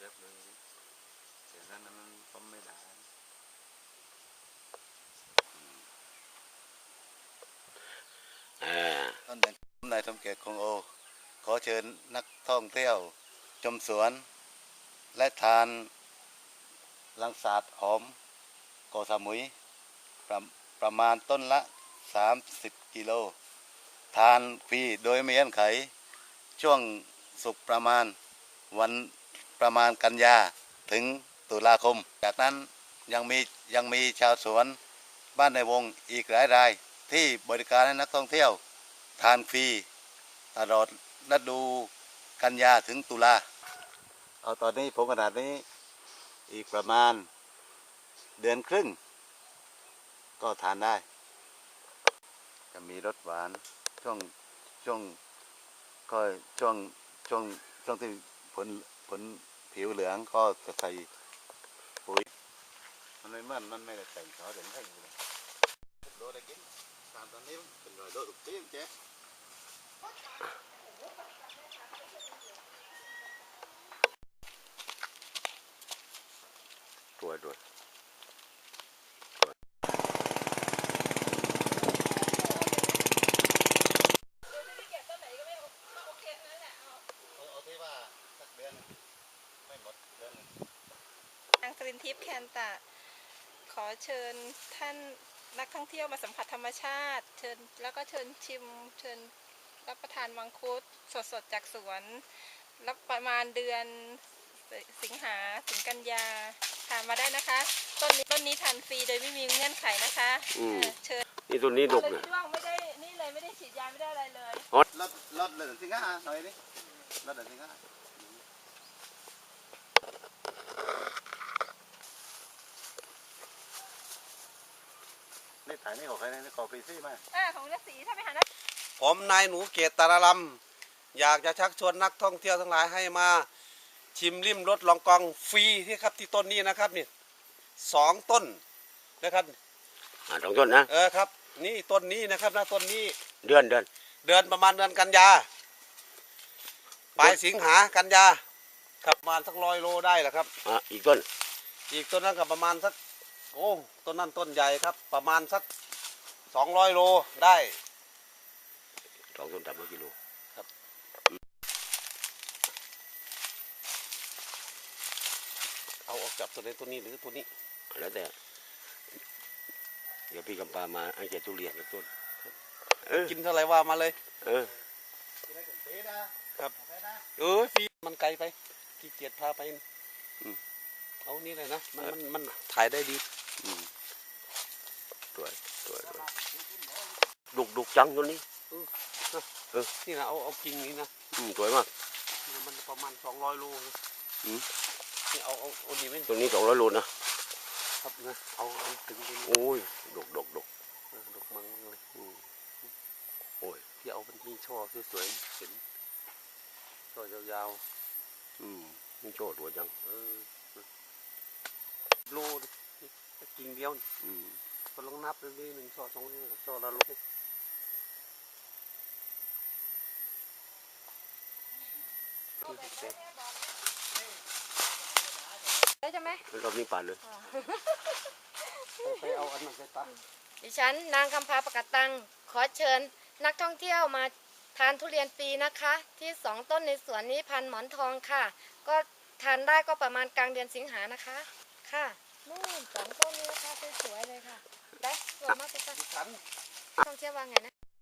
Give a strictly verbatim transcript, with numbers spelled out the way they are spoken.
จ็บเลยเดี๋ยวนั้นมันต้มไม่ได้ท่านนายสมเกียรติคงโอขอเชิญนักท่องเที่ยวชมสวนและทานลังสาดหอมกอสมุยประประมาณต้นละสามสิบกิโลทานฟรีโดยไม่เงื่อนไขช่วงสุกประมาณวันประมาณกันยาถึงตุลาคมจากนั้นยังมียังมีชาวสวนบ้านในวงอีกหลายรายที่บริการให้นักท่องเที่ยวทานฟรีตลอดฤดูกันยาถึงตุลาเอาตอนนี้ผมขนาดนี้อีกประมาณเดือนครึ่งก็ทานได้จะมีรสหวานช่วงช่วงก็ช่วงช่วงช่วงที่ผลผลผิวเหลืองก็จะใส่ปุ๋ยมันไม่เหมือนมันไม่ได้แต่งเขาเด่นให้อยู่เลยโดได้กินตามตอนนี้เป็นรอยโดดุกเตี้ยเจ๊ตัวด้วยทางกรีนทิพย์แคนตะขอเชิญท่านนักท่องเที่ยวมาสัมผัสธรรมชาติเชิญแล้วก็เชิญชิมเชิญรับประทานมังคุดสดๆจากสวนรับประมาณเดือนสิงหาถึงกันยาทานมาได้นะคะต้นนี้ต้นนี้ทานฟรีโดยไม่มีเงื่อนไขนะคะเชิญนี่ต้นนี้ดกเลยช่วงไม่ได้นี่เลยไม่ได้ฉีดยาไม่ได้อะไรเลยลดลดเลยสิงหาหน่อยดิลดเลยสิงหานี่ถ่ายนี่ของใครนี่ขอฟรีซี่ไหมอ่าของฤาษีถ้าไปหานะผมนายหนูเกตตาลำอยากจะชักชวนนักท่องเที่ยวทั้งหลายให้มาชิมริมรสลองกองฟรีที่ครับที่ต้นนี้นะครับนี่สองต้นนะครับอ่าสองต้นนะเออครับนี่ต้นนี้นะครับนะต้นนี้เดือนเดือนเดือนประมาณเดือนกันยาปลายสิงหากันยาครับประมาณสักร้อยโลได้แหละครับอ่าอีกต้นอีกต้นนั้นก็ประมาณสักโอ้ต้นนั้นต้นใหญ่ครับประมาณสักสองร้อยโลได้สองต้นสามร้อยกิโลครับเอาออกจากตัวนี้ตัวนี้หรือตัวนี้แล้วแต่เดี๋ยวพี่กำปามาให้แกทุเรียนกับต้นกินเท่าไรว่ามาเลยเออครับเออฟรีมันไกลไปขี้เกียจพาไปเอานี่เลยนะมันมันมันถ่ายได้ดีสวยสวยดุกดุกจังตัวนี้เออนี่นะเอาเอากิ่งนี้นะอืมสวยมากมันประมาณสองร้อยโลนะอืมนี่เอาเอาเอานี่ไหมตัวนี้สองร้อยโลนะครับนะเอาเอาถึงตัวนี้โอ้ยดุกดุกดุกดุกมังเลยโอ้ยพี่เอาเป็นที่ช่อสวยๆเห็นช่อยาวๆอืมนี่ช่อสวยจังเออโลกิ่งเดียวอืมก็ลองนับเลยหนึ่งช่อสองช่อละโลได้ใช่ไหมรอบนี้ปาดเลยไปเอาอันนั้นไปตัดดิฉันนางคำพาประกาศตังขอเชิญนักท่องเที่ยวมาทานทุเรียนฟรีนะคะที่สองต้นในสวนนี้พันหมอนทองค่ะก็ทานได้ก็ประมาณกลางเดือนสิงหานะคะค่ะนู่นสองต้นนี้นะคะสวยๆเลยค่ะได้สวยมากเลยค่ะท่องเที่ยวว่าไงนะ